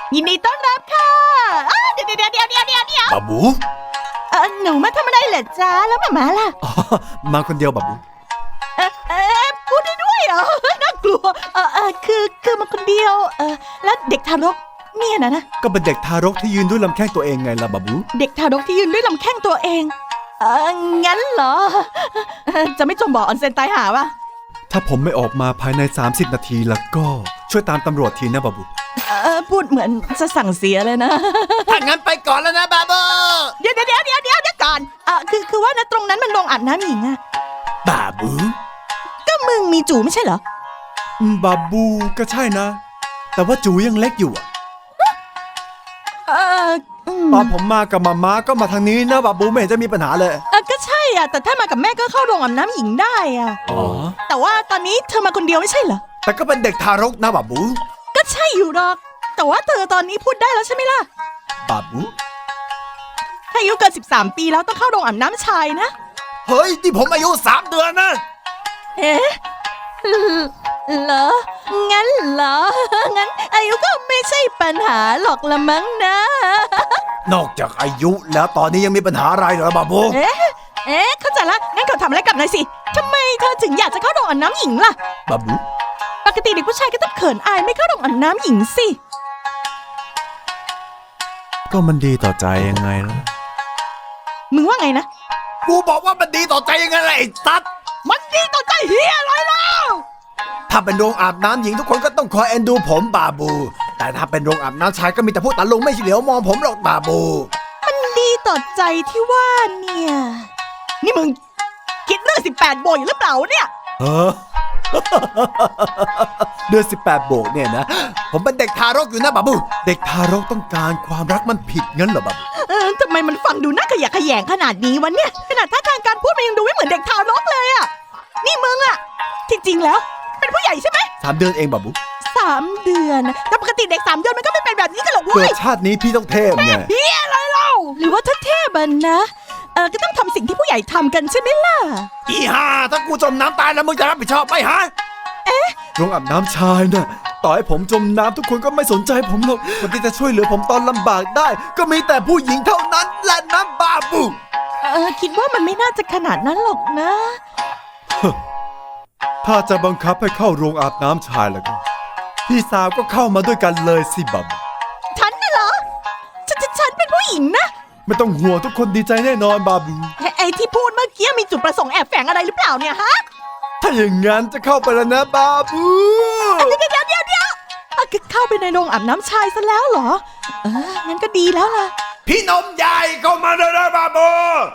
ยินดีต้อนรับค่ะเดี๋ยวบาบูหนูมาทำอะไรเหรอจ๊ะแล้วมาล่ะอ๋อมาคนเดียวบาบูพูดได้ด้วยเหรอน่ากลัวคือมาคนเดียวแล้วเด็กทารกเนี่ยนะก็เป็นเด็กทารกที่ยืนด้วยลำแข้งตัวเองไงล่ะบาบูเด็กทารกที่ยืนด้วยลำแข้งตัวเองงั้นเหรอจะไม่จมบ่อออนเซ็นตายหาวะถ้าผมไม่ออกมาภายใน30นาทีแล้วก็ช่วยตามตำรวจทีนะบาบูพูดเหมือนจะสั่งเสียเลยนะถ้างั้นไปก่อนแล้วนะบาบูเดี๋ยวก่อนคือว่านะตรงนั้นมันโรงอาบน้ำหญิงอะบาบูก็มึงมีจู่ไม่ใช่เหรอบาบูก็ใช่นะ แต่ว่าจูยังเล็กอยู่อะตอนผมมากับมาม่าก็มาทางนี้นะบาบูไม่เห็นจะมีปัญหาเลยก็ใช่อ่ะแต่ถ้ามากับแม่ก็เข้าโรงอาบน้ำหญิงได้อ่ะอ๋อแต่ว่าตอนนี้เธอมาคนเดียวไม่ใช่เหรอแต่ก็เป็นเด็กทารกนะบาบูก็ใช่อยู่หรอกแต่ว่าเธอตอนนี้พูดได้แล้วใช่ไหมล่ะบาบูถ้าอายุเกิน13 ปีแล้วต้องเข้าโรงอาบน้ำชายนะเฮ้ยที่ผมอายุ3 เดือนนะเอ๊ะเหรองั้นเหรองั้นอายุก็ไม่ใช่ปัญหาหรอกละมั้งนะนอกจากอายุแล้วตอนนี้ยังมีปัญหาอะไรเหรอบาบูเอ๊ะเข้าใจละงั้นเขาทำอะไรกับนายสิทำไมเธอถึงอยากจะเข้าโรงอาบน้ำหญิงล่ะบาบูปกติเด็กผู้ชายก็ต้องเขินอายไม่เข้าโรงอาบน้ำหญิงสิก็มันดีต่อใจยังไงล่ะมึงว่าไงนะกูบอกว่ามันดีต่อใจยังไงล่ะไอ้ตัดมันดีต่อใจเฮียอะไรแล้วถ้าเป็นโรงอาบน้ำหญิงทุกคนก็ต้องคอยเอ็นดูผมบาบู แต่ถ้าเป็นโรงอาบน้ำชายก็มีแต่ผู้ตาลุงไม่เหลียวมองผมหรอกบาบูมันดีต่อใจที่ว่าเนี่ย นี่มึงคิดเรื่อง18 โบยหรือเปล่าเนี่ยเออ เดือน18 โบกเนี่ยนะผมเป็นเด็กทารกอยู่นะบาบูเด็กทารกต้องการความรักมันผิดงั้นเหรอบาบูทำไมมันฟังดูน่าขยะแขยงขนาดนี้วะเนี่ยขนาดท่าทางการพูดมันยังดูไม่เหมือนเด็กทารกเลยอะนี่มึงอะที่จริงแล้ว เป็นผู้ใหญ่ใช่ไหม 3 เดือนเองบาบู 3 เดือนแต่ปกติเด็ก3 เดือนมันก็ไม่เป็นแบบนี้กันหรอกเกิเว้ยดชาตินี้พี่ต้องเทพไงเฮียอะไรเล่าหรือว่าถ้าเทพอะนะก็ต้องทำสิ่งที่ผู้ใหญ่ทำกันใช่ไหมล่ะอีห่าถ้ากูจมน้ำตายแล้วมึงจะรับผิดชอบไหมฮะโรงอาบน้ำชายน่ะ ต่อให้ผมจมน้ำทุกคนก็ไม่สนใจผมหรอกคนที่จะช่วยเหลือผมตอนลำบากได้ ก็มีแต่ผู้หญิงเท่านั้นแหละนะบาบูคิดว่ามันไม่น่าจะขนาดนั้นหรอกนะถ้าจะบังคับให้เข้าโรงอาบน้ำชายแล้วก็พี่สาวก็เข้ามาด้วยกันเลยสิบาบูฉันน่ะเหรอฉันเป็นผู้หญิงนะไม่ต้องห่วงทุกคนดีใจแน่นอนบาบูไอ้ที่พูดเมื่อกี้มีจุดประสงค์แอบแฝงอะไรหรือเปล่าเนี่ยฮะถ้าอย่างงั้นจะเข้าไปแล้วนะบาบูเดี๋ยวเข้าไปในโรงอาบน้ำชายซะแล้วเหรองั้นก็ดีแล้วล่ะพี่นมใหญ่เข้ามาเลยนะบาบู